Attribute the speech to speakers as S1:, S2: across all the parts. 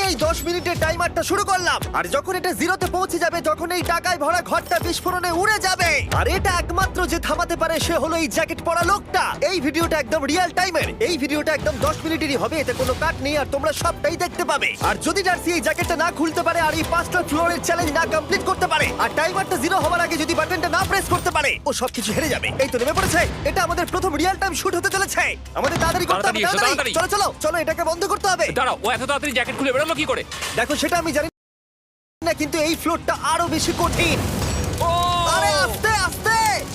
S1: এই 10 মিনিটের টাইমারটা শুরু করলাম, আর যখন এটা জিরোতে পৌঁছে যাবে তখন এই টাকায় ভরা ঘরটা বিস্ফোরণে উড়ে যাবে। আর এটা একমাত্র যে থামাতে পারে সে হলো এই জ্যাকেট পরা লোকটা। এই ভিডিওটা একদম রিয়েল টাইমের, এই ভিডিওটা একদম 10 মিনিটেরই হবে, এতে কোনো কাট নেই আর তোমরা সবটাই দেখতে পাবে। আর যদি ডার্সি এই জ্যাকেটটা না খুলতে পারে আর এই 5টা ফ্লোরের চ্যালেঞ্জ না কমপ্লিট করতে পারে আর টাইমারটা জিরো হওয়ার আগে যদি বাটনটা না প্রেস করতে পারে, ও সবকিছু হেরে যাবে। এই তো নেমে পড়েছে, এটা আমাদের প্রথম রিয়েল টাইম শুট হতে চলেছে। আমাদের তাড়াতাড়ি করতে হবে, তাড়াতাড়ি। চলো চলো চলো, এটাকে বন্ধ করতে হবে।
S2: দাঁড়াও, ও এত তাড়াতাড়ি জ্যাকেট খুলে বেরোলো কি করে?
S1: দেখো সেটা আমি জানি না, কিন্তু এই ফ্লোরটা আরো বেশি কঠিন।
S2: ও
S1: আরে আস্তে আস্তে।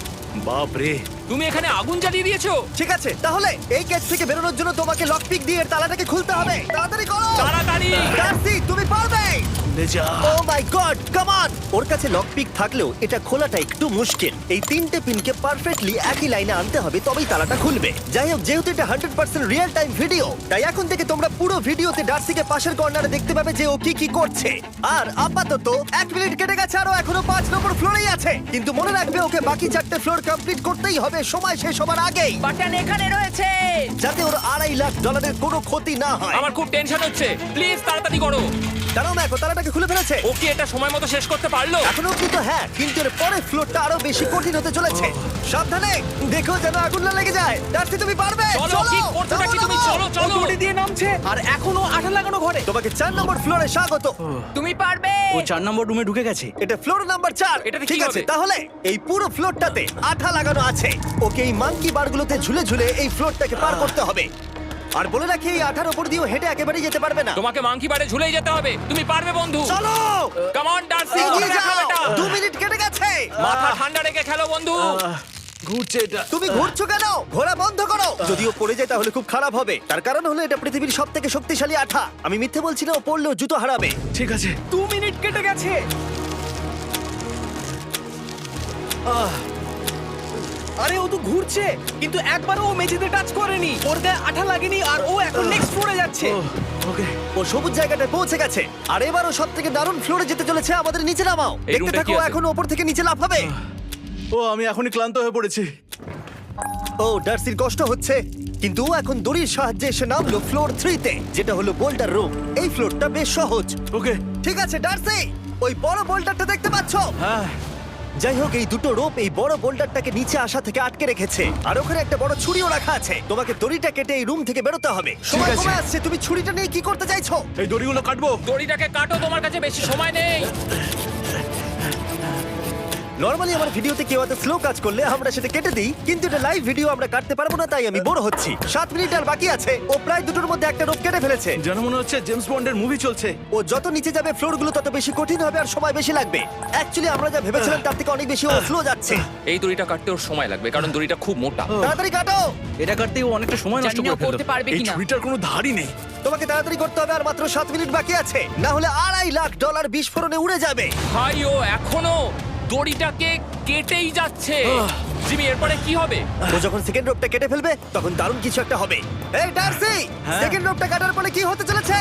S3: বাপ রে,
S2: তুমি এখানে আগুন জ্বালিয়ে দিয়েছো।
S1: ঠিক আছে, তাহলে এই কেস থেকে বেরোনোর জন্য তোমাকে লক পিক দিয়ে এর তালাটাকে খুলতে হবে। তাড়াতাড়ি করো,
S2: তাড়াতাড়ি।
S1: ডার্সি তুমি পারবে।
S3: লে যা।
S1: ও মাই গড, কাম অন। ওর কাছে লক পিক থাকলেও এটা খোলাটা একটু মুশকিল। এই 3টে পিনকে পারফেক্টলি একই লাইনে আনতে হবে, তবেই তালাটা খুলবে। যাই হোক, যেহেতু এটা 100% রিয়েল টাইম ভিডিও, তাই এখন থেকে তোমরা পুরো ভিডিওতে ডার্সিকে পাশের কর্নারে দেখতে পাবে যে ও কি কি করছে। আর আপাতত 1 মিনিট কেটে গেছে, আরো এখনো 5 নম্বর ফ্লোরেই আছে। কিন্তু মনে রাখবে ওকে বাকি 4টে ফ্লোর কমপ্লিট করতেই হবে সময় শেষ হবার আগেই,
S4: বাটন এখানে রয়েছে।
S1: যাতে ওর $2.5 লাখ কোনো ক্ষতি না হয়।
S2: আমার খুব টেনশন হচ্ছে, প্লিজ তাড়াতাড়ি করো।
S1: দাঁড়াও, দেখো তালাটাকে খুলে ফেলেছে।
S2: ও কি এটা সময় মতো শেষ করতে পারলো?
S1: এখনো অব্দি তো হ্যাঁ, কিন্তু এর পরের ফ্লোরটা আরো বেশি কঠিন হতে চলেছে। সাবধানে, দেখো যেন আগুন না লেগে যায়। ডার্সি তুমি পারবে।
S2: চলো, কি করছো নাকি তুমি? চলো চলো।
S4: দড়ি দিয়ে নামছে আর এখনো আঠা লাগানো ঘরে।
S1: তোমাকে 4 নম্বর ফ্লোরে স্বাগত।
S4: তুমি পারবে।
S3: ও 4 নম্বর রুমে ঢুকে গেছে।
S1: এটা ফ্লোর নাম্বার 4।
S2: এটাতে কি
S1: ঠিক আছে,
S2: হবে?
S1: তাহলে এই পুরো ফ্লোরটাতে আঠা লাগানো আছে। ওকে এই মাঙ্কি বারগুলোতে ঝুলে ঝুলে এই ফ্লোরটাকে পার করতে হবে। আর বলে রাখি, এই আঠার উপর দিয়েও হেঁটে একেবারেই যেতে পারবে না।
S2: তোমাকে মাংকি বারে ঝুলেই যেতে হবে। তুমি পারবে বন্ধু।
S1: চলো
S2: কাম অন ডার্সি,
S1: এগিয়ে
S2: করে দেখাও
S1: যাও।
S2: এটা।
S1: 2 মিনিট কেটে গেছে।
S2: মাথা ঠান্ডা রেখে খেলো বন্ধু।
S3: ঘুরছে এটা।
S1: তুমি ঘুরছো কেন? ঘোরা বন্ধ করো। যদিও পড়ে যায় তাহলে খুব খারাপ হবে। তার কারণ হলো এটা পৃথিবীর সবথেকে শক্তিশালী আঠা। আমি মিথ্যে বলছি না, ও পড়লেও জুতো হারাবে।
S3: ঠিক আছে।
S4: 2 মিনিট কেটে গেছে। আরে ও তো ঘুরছে, কিন্তু একবারও ও মেঝেতে টাচ করেনি। ওর গায়ে আঠা লাগেনি আর ও এখন নেক্সট ফ্লোরে যাচ্ছে।
S3: ওকে।
S1: ও সবুজ জায়গাটায় পৌঁছে গেছে। আর এবারও সব থেকে দারুণ ফ্লোরে যেতে চলেছে। আমাদের নিচে নামাও।
S2: এই
S1: দেখতে
S2: রুমটা
S1: থাকো,
S2: কি আছে?
S1: এখন ওপর থেকে নিচে লাফাবে।
S3: ও আমি এখনই ক্লান্ত হয়ে পড়েছি।
S1: ও ডার্সির কষ্ট হচ্ছে, কিন্তু ও এখন দড়ির সাহায্যে এসে নামলো ফ্লোর 3-তে, যেটা হলো বোল্ডার রুম। এই ফ্লোরটা বেশ সহজ।
S3: ওকে।
S1: ঠিক আছে ডার্সি, ওই বড় বোল্ডারটা দেখতে পাচ্ছ?
S3: হ্যাঁ।
S1: যাই হোক, এই দুটো রোপ এই বড় বোল্ডারটাকে নিচে আসা থেকে আটকে রেখেছে। আর ওখানে একটা বড় ছুরিও রাখা আছে। তোমাকে দড়িটা কেটে এই রুম থেকে বেরোতে হবে। সময়
S3: আছে।
S1: কমে আসছে, তুমি ছুরিটা নিয়ে কি করতে চাইছো?
S3: এই দড়িগুলো কাটবো।
S2: দড়িটাকে কাটো, তোমার কাছে বেশি সময় নেই।
S1: নরমালি আমার ভিডিওতে কেউ এত স্লো কাজ করলে আমরা সেটা কেটে দিই, কিন্তু এটা লাইভ ভিডিও আমরা কাটতে পারবো না, তাই আমি বোর হচ্ছি। 7 মিনিট আর বাকি আছে। ও প্রায় দুটোর মধ্যে একটা রোপ কেটে ফেলেছে।
S3: যেন মনে হচ্ছে জেমস বন্ডের মুভি চলছে।
S1: ও যত নিচে যাবে ফ্লোরগুলো তত বেশি কঠিন হবে আর সময় বেশি লাগবে। অ্যাকচুয়ালি আমরা যা ভেবেছিলাম তার থেকে অনেক বেশি ও স্লো যাচ্ছে।
S2: এই দড়িটা কাটতে ওর সময় লাগবে, কারণ দড়িটা খুব মোটা।
S1: তাড়াতাড়ি কাটো।
S3: এটা কাটতেই ও অনেকটা সময় নষ্ট
S4: জানি না
S3: করে ফেললো।
S4: করতে পারবে
S3: এই
S4: কিনা।
S3: ছুরিটার কোনো ধারই নেই।
S1: তোমাকে তাড়াতাড়ি করতে হবে, আর মাত্র 7 মিনিট বাকি আছে, না হলে $2.5 লাখ বিস্ফোরণে উড়ে যাবে।
S2: ভাই ও এখনো দড়িটাকে কেটেই যাচ্ছে। জিমি, এরপরে কি হবে?
S1: ও যখন সেকেন্ড রোপটা কেটে ফেলবে তখন দারুণ কিছু একটা হবে। এই ডার্সি, সেকেন্ড রোপটা কাটার পরে কি হতে চলেছে?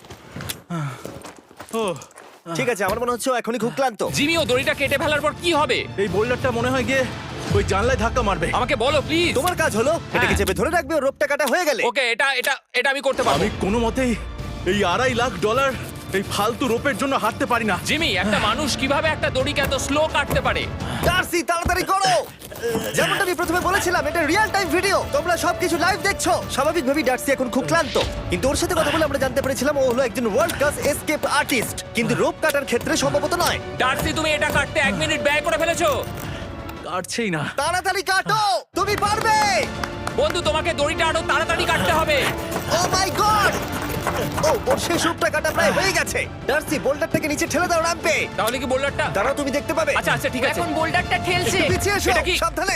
S3: ও
S1: ঠিক আছে, আমার মনে হচ্ছে ও এখনই খুব ক্লান্ত।
S2: জিমি, ও দড়িটা কেটে ফেলার পর কি হবে?
S3: এই বোল্ডারটা মনে হয় গিয়ে ওই জানলায় ধাক্কা মারবে।
S2: আমাকে বলো প্লিজ।
S1: তোমার কাজ হলো এটাকে চেপে ধরে রাখবে, ও রোপটা কাটা হয়ে গেলে।
S2: ওকে, এটা এটা এটা আমি করতে পারবো।
S3: আমি কোনো মতেই এই $2.5 লাখ এই ফালতু রোপের জন্য হাঁটতে পারি না।
S2: জিমি, একটা মানুষ কিভাবে একটা দড়িকে এত স্লো কাটতে পারে?
S1: ডার্সি তাড়াতাড়ি করো। যেমনটা আমি প্রথমে বলেছিলাম, এটা রিয়েল টাইম ভিডিও, তোমরা সবকিছু লাইভ দেখছো। স্বাভাবিকভাবেই ডার্সি এখন খুব ক্লান্ত, কিন্তু ওর সাথে কথা বলে আমরা জানতে পেরেছিলাম ও হলো একজন ওয়ার্ল্ড ক্লাস এসকেপ আর্টিস্ট, কিন্তু রোপ কাটার ক্ষেত্রে সম্ভবত নয়।
S2: ডার্সি, তুমি এটা কাটতে 1 মিনিট ব্যয় করে ফেলেছো।
S3: কাটছেই না।
S1: তাড়াতাড়ি কাটো, তুমি পারবে।
S2: বন্ধু, তোমাকে দড়িটা আরো তাড়াতাড়ি কাটতে হবে।
S1: ও মাই গড! ও ওর শেষ রূপটা কাটা প্রায় হয়ে গেছে। ডার্সি, বোল্ডারটাকে নিচে ঠেলে দাও রাম্পে।
S2: তাহলে কি বোল্ডারটা?
S1: দাঁড়াও, তুমি দেখতে পাবে।
S2: আচ্ছা আচ্ছা, ঠিক আছে।
S4: এখন বোল্ডারটা ঠেলছে।
S1: একটু পিছিয়ে এসো,
S2: এটা কি?
S1: সাবধানে।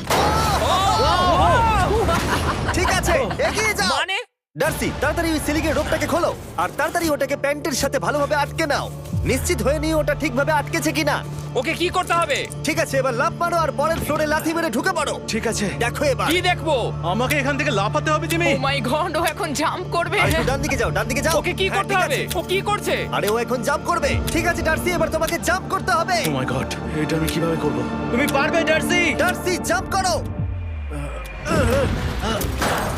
S1: ঠিক আছে, এগিয়ে যাও।
S2: মানে?
S1: ডার্সি, তাড়াতাড়ি ওই সিলিংয়ের রোপটাকে খোলো আর তাড়াতাড়ি ওটাকে প্যান্টের সাথে ভালোভাবে আটকে নাও। নিশ্চিত হয়ে নিও ওটা ঠিকভাবে আটকেছে কিনা।
S2: ওকে কি করতে হবে?
S1: ঠিক আছে, এবার লাফ মারো আর পরের ফ্লোরে লাথি মেরে ঢুকে পড়ো।
S3: ঠিক আছে।
S1: দেখো এবার।
S2: কি দেখবো?
S3: আমাকে এখান থেকে লাফাতে হবে জিমি।
S4: ও মাই গড, ও এখন জাম্প করবে।
S1: আর একটু ডান দিকে যাও, ডান দিকে যাও।
S2: ওকে কি
S1: হ্যাঁ,
S2: করতে
S1: ঠিক
S2: হবে?
S1: আছে।
S2: ও কি করছে?
S1: আরে ও এখন জাম্প করবে। ঠিক আছে ডার্সি, এবার তোমাকে জাম্প করতে হবে।
S3: ও মাই গড, এটা আমি কিভাবে করব? তুমি পারবে ডার্সি।
S1: ডার্সি, জাম্প করো।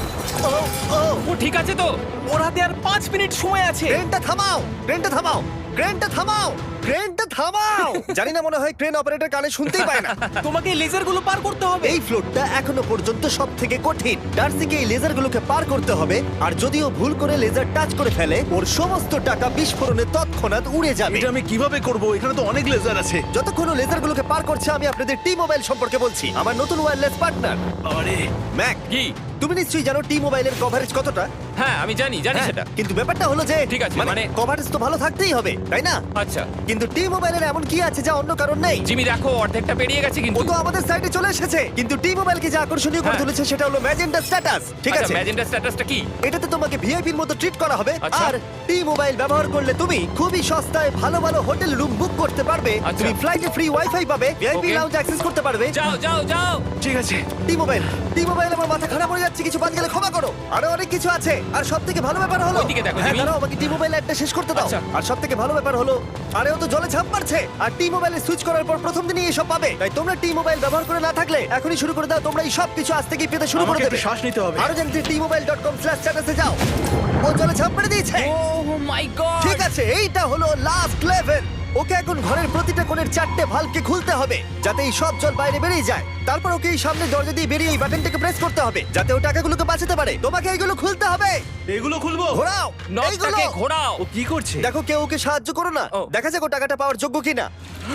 S1: ও
S2: ও ঠিক আছে তো?
S4: ওর হাতে আর 5 মিনিট সময় আছে।
S1: ক্রেনটা থামাও, ক্রেনটা থামাও, ক্রেনটা থামাও, ক্রেনটা থামাও। জানি না, মনে হয় ক্রেন অপারেটর কানে শুনতেই পায় না।
S4: তোমাকে লেজারগুলো পার করতে হবে।
S1: এই ফ্লোরটা এখনো পর্যন্ত সব থেকে কঠিন। ডার্সিকে এই লেজারগুলোকে পার করতে হবে, আর যদিও ভুল করে লেজার টাচ করে ফেলে, ওর সমস্ত টাকা বিস্ফোরণে তৎক্ষণাৎ উড়ে যাবে।
S3: এটা আমি কিভাবে করব? এখানে তো অনেক লেজার আছে।
S1: যতক্ষণ ও লেজারগুলোকে পার করছে, আমি আপনাদের টি মোবাইল সম্পর্কে বলছি, আমার নতুন ওয়্যারলেস পার্টনার।
S3: আরে
S1: ম্যাক,
S2: কি?
S1: তুমি নিশ্চয়ই জানো টি মোবাইলের কভারেজ কতটা?
S2: হ্যাঁ আমি জানি
S1: হ্যাঁ,
S2: সেটা।
S1: কিন্তু ব্যাপারটা হলো যে
S2: ঠিক আছে, মানে
S1: কভারেজ তো ভালো থাকতেই হবে, তাই না?
S2: আচ্ছা
S1: কিন্তু টি মোবাইলের এমন কি আছে যা অন্য কারণ নেই?
S2: জিমি দেখো অর্ধেকটা পেরিয়ে গেছে
S1: ও
S2: কিন্তু।
S1: তো আমাদের সাইডে চলে এসেছে, কিন্তু টি মোবাইলকে যে আকর্ষণীয় করে
S2: হ্যাঁ।
S1: তুলেছে সেটা হলো ম্যাজেন্টা স্ট্যাটাস। ঠিক
S2: আচ্ছা
S1: আছে,
S2: ম্যাজেন্টা স্ট্যাটাসটা কি?
S1: এটাতে তোমাকে ভিআইপির মতো ট্রিট করা হবে।
S2: আচ্ছা।
S1: আর টি মোবাইল ব্যবহার করলে তুমি খুবই সস্তায় ভালো ভালো হোটেল রুম বুক করতে পারবে।
S2: আচ্ছা।
S1: তুমি ফ্লাইটে ফ্রি ওয়াইফাই পাবে, ভিআইপি
S2: Okay.
S1: লাউঞ্জ অ্যাক্সেস করতে পারবে।
S2: যাও যাও যাও।
S3: ঠিক আছে।
S1: টি মোবাইল, টি মোবাইল, আমার মাথা খারাপ হয়ে যাচ্ছে, কিছু বাদ গেলে ক্ষমা করো। আরো অনেক কিছু আছে, আর সবথেকে ভালো ব্যাপার হলো,
S2: ওইদিকে দেখো,
S1: হ্যাঁ
S2: জিমি।
S1: দাঁড়াও, আমাকে টি মোবাইল একটা শেষ করতে দাও।
S2: আচ্ছা।
S1: আর সবথেকে ভালো ব্যাপার হলো, আরে ও তো জলে ঝাঁপ মারছে, আর টি মোবাইলে সুইচ করার পর প্রথম দিনই এসব পাবে। তাই তোমরা টি মোবাইল ব্যবহার করে না থাকলে এখনই শুরু করে দাও। তোমরা এই সব কিছু আজ থেকেই পেতে শুরু করে
S3: আমাকে
S1: দেবে।
S3: একটু শ্বাস নিতে হবে।
S1: আরো জানতে tmobile.com/status এ যাও। ও জলে ঝাঁপ মেরে দিয়েছে।
S2: Oh my God.
S1: ঠিক আছে, এইটা হলো লাস্ট লেভেল। ওকে এখন ঘরের প্রতিটা কোণের 4টে ভালভকে খুলতে হবে, যাতে এই সব জল বাইরে বেরিয়ে যায়। তারপর ওকে এই সামনে দরজা দিয়ে বেরিয়ে এই বাটনটাকে প্রেস করতে হবে, যাতে ও টাকাগুলোকে বাঁচাতে পারে। তোমাকে এইগুলো খুলতে হবে।
S3: এগুলো খুলবো?
S1: ঘোরাও এইগুলো।
S2: নটটাকে ঘোরাও।
S3: ও কি করছে?
S1: দেখো কেউ ওকে সাহায্য করো না,
S2: ও।
S1: দেখা যাক ও টাকাটা পাওয়ার যোগ্য কিনা।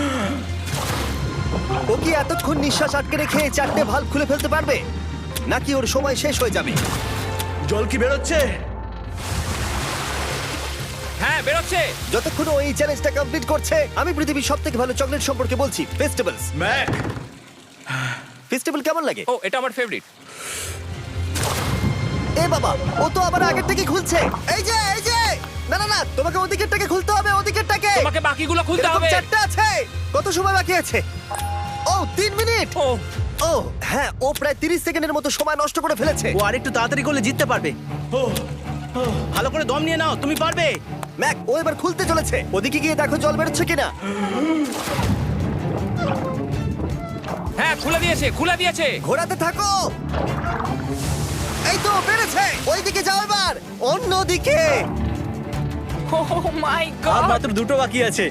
S1: ও কি এতক্ষণ নিঃশ্বাস আটকে রেখে 4টে ভালভ খুলে ফেলতে পারবে, নাকি ওর সময় শেষ হয়ে যাবে?
S3: জল কি বেরোচ্ছে?
S2: হ্যাঁ বেরোচ্ছে।
S1: যতক্ষণ ও এই চ্যালেঞ্জটা কমপ্লিট করছে, আমি পৃথিবীর সবথেকে ভালো চকলেট সম্পর্কে বলছি, ফেস্টিভ্যালস।
S3: ম্যাক,
S1: ফেস্টিভ্যাল কেমন লাগে?
S2: ও এটা আমার ফেভারিট।
S1: এ বাবা, ও তো আবার আগের থেকে খুলছে। এই যে, এই যে, না না না, তোমাকে ওদিকেরটাকে খুলতে হবে, ওদিকেরটাকে।
S2: তোমাকে বাকিগুলো খুলতে
S1: এরকম
S2: হবে।
S1: 4টে আছে। কত সময় বাকি আছে? ও 3 মিনিট।
S2: ও
S1: ও হ্যাঁ, ও প্রায় 30 সেকেন্ডের মতো সময় নষ্ট করে ফেলেছে।
S4: ও আরেকটু তাড়াতাড়ি করলে জিততে পারবে। ভালো করে দম নিয়ে নাও, তুমি পারবে।
S1: ম্যাক, ও এবার খুলতে চলেছে। ওদিকে গিয়ে দেখো জল বেরোচ্ছে কিনা।
S2: হ্যাঁ খুলে দিয়েছে, খুলে দিয়েছে।
S1: ঘোরাতে থাকো। এই তো বেড়েছে। ওইদিকে যাও এবার, অন্যদিকে।
S2: ও মাই
S4: আর
S2: গড।
S4: মাত্র 2টো বাকি আছে।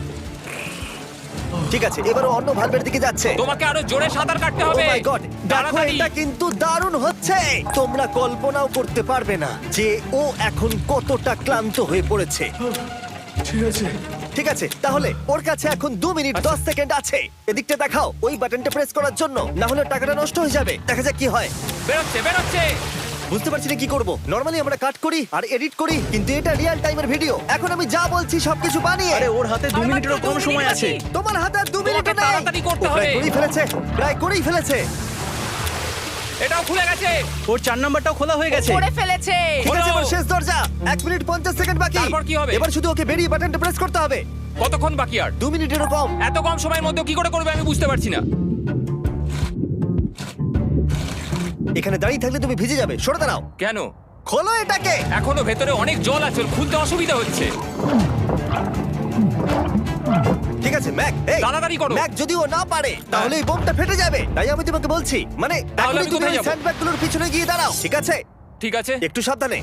S1: ঠিক আছে, এবার ও অন্য ভালভের দিকে যাচ্ছে।
S2: তোমাকে আরো জোরে সাঁতার কাটতে
S1: Oh
S2: হবে।
S1: my God! দেখো,
S2: তাড়াতাড়ি।
S1: এটা কিন্তু দারুণ হচ্ছে। তোমরা কল্পনাও করতে পারবে না যে ও এখন কতটা ক্লান্ত হয়ে পড়েছে।
S3: ঠিক আছে।
S1: ঠিক আছে, তাহলে ওর কাছে এখন 2 মিনিট 10 সেকেন্ড আছে। এদিকটা দেখাও, ওই বাটনটা প্রেস করার জন্য, না হলে টাকাটা নষ্ট হয়ে যাবে। দেখা যাক কি হয়।
S2: বেরোচ্ছে বেরোচ্ছে।
S1: বুঝতে পারছি না কি করব। নরমালি আমরা কাট করি আর এডিট করি, কিন্তু এটা রিয়েল টাইমের ভিডিও। এখন আমি যা বলছি সবকিছু বানিয়ে।
S4: আরে ওর হাতে 2 মিনিটেরও কম সময় আছে।
S1: তোমার হাতে আর 2 মিনিট
S2: তোমাকে
S1: নেই।
S2: তাড়াতাড়ি করতে
S1: ও প্রায়
S2: হবে।
S1: করেই ফেলেছে, প্রায় করেই ফেলেছে।
S2: এটাও খুলে গেছে।
S4: ওর 4 নাম্বারটাও খোলা হয়ে গেছে।
S2: করে ফেলেছে।
S1: ঠিক আছে,
S2: খোলো।
S1: এবার শেষ দরজা। 1 মিনিট 50 সেকেন্ড বাকি।
S2: তারপর কি হবে?
S1: এবার শুধু ওকে বেরিয়ে বাটনটা প্রেস করতে হবে।
S2: কতক্ষণ বাকি আর?
S1: 2 মিনিটেরও কম।
S2: এত কম সময়ের মধ্যে কি করে করবে আমি বুঝতে পারছি না।
S1: এখানে দাঁড়িয়ে থাকলে তুমি ভিজে যাবে, সরে দাঁড়াও।
S2: কেন?
S1: খোলো এটাকে।
S2: এখনো ভেতরে অনেক জল আছে, ওর খুলতে অসুবিধা হচ্ছে।
S1: ঠিক আছে ম্যাক, এই
S2: তাড়াতাড়ি করো।
S1: ম্যাক, যদি ও না পারে তাহলে এই বোমটা ফেটে যাবে। তাই আমি তোমাকে বলছি, মানে
S2: তাহলে
S1: এখনই
S2: আমি
S1: তুমি
S2: কোথায়
S1: ওই
S2: যাবো?
S1: স্যান্ডব্যাগগুলোর পিছনে গিয়ে দাঁড়াও, ঠিক আছে?
S2: ঠিক আছে।
S1: একটু সাবধানে।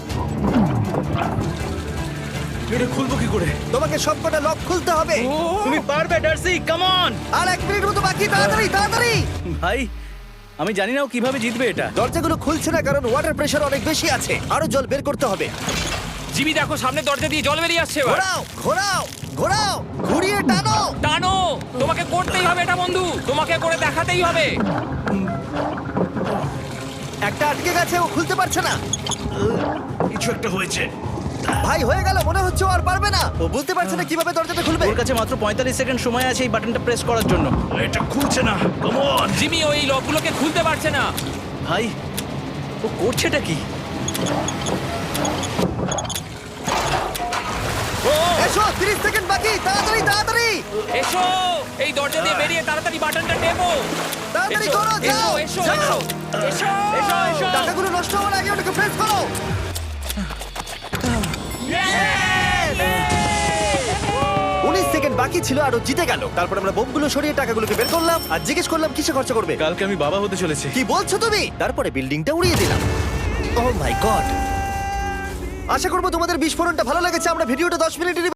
S3: এটা খুলবো কি করে?
S1: তোমাকে সবকটা লক খুলতে হবে।
S4: তুমি পারবে ডার্সি, কাম অন।
S1: আর 1 মিনিট মতো বাকি, তাড়াতাড়ি তাড়াতাড়ি।
S4: ভাই আমি জানি না ও কিভাবে জিতবে এটা।
S1: দরজাগুলো খুলছে না কারণ ওয়াটার প্রেশার অনেক বেশি আছে। আরো জল বের করতে হবে।
S2: জিমি দেখো সামনে দরজা দিয়ে জল বেরিয়ে আসছে এবার।
S1: ঘোরাও ঘোরাও ঘোরাও, ঘুরিয়ে টানো।
S2: টানো। তোমাকে করতেই হবে এটা বন্ধু, তোমাকে করে দেখাতেই হবে।
S1: একটা আটকে গেছে, ও খুলতে পারছে না।
S3: কিছু একটা হয়েছে।
S1: ভাই হয়ে গেল, মনে হচ্ছে ও আর পারবে না। ও বুঝতে পারছে না কিভাবে দরজাটা খুলবে।
S4: ওর কাছে মাত্র 45 সেকেন্ড সময় আছে এই বাটনটা প্রেস করার জন্য।
S3: এটা খুলছে না। Come on.
S2: জিমি ওই লকগুলোকে খুলতে পারছে না।
S4: ভাই ও করছেটা কি?
S2: ও
S1: এসো, 30 সেকেন্ড বাকি, তাড়াতাড়ি তাড়াতাড়ি।
S2: এসো, এই দরজা দিয়ে বেরিয়ে তাড়াতাড়ি বাটনটা টেপো।
S1: তাড়াতাড়ি
S2: এসো,
S1: করো, যাও
S2: এসো,
S1: যাও।
S2: এসো, এসো, এসো, এসো।
S1: টাকাগুলো নষ্ট হওয়ার আগে ওটাকে প্রেস করো। 19 সেকেন্ড বাকি ছিল আর ও জিতে গেল। তারপর আমরা বোমগুলো সরিয়ে টাকাগুলোকে বের করলাম আর জিজ্ঞেস করলাম কিসে খরচা করবে।
S3: কালকে আমি বাবা হতে চলেছি।
S1: কি বলছো তুমি? তারপরে বিল্ডিংটা উড়িয়ে দিলাম। ও মাই গড, আশা করবো তোমাদের বিস্ফোরণটা ভালো লেগেছে। আমরা ভিডিওটা 10 মিনিটেরই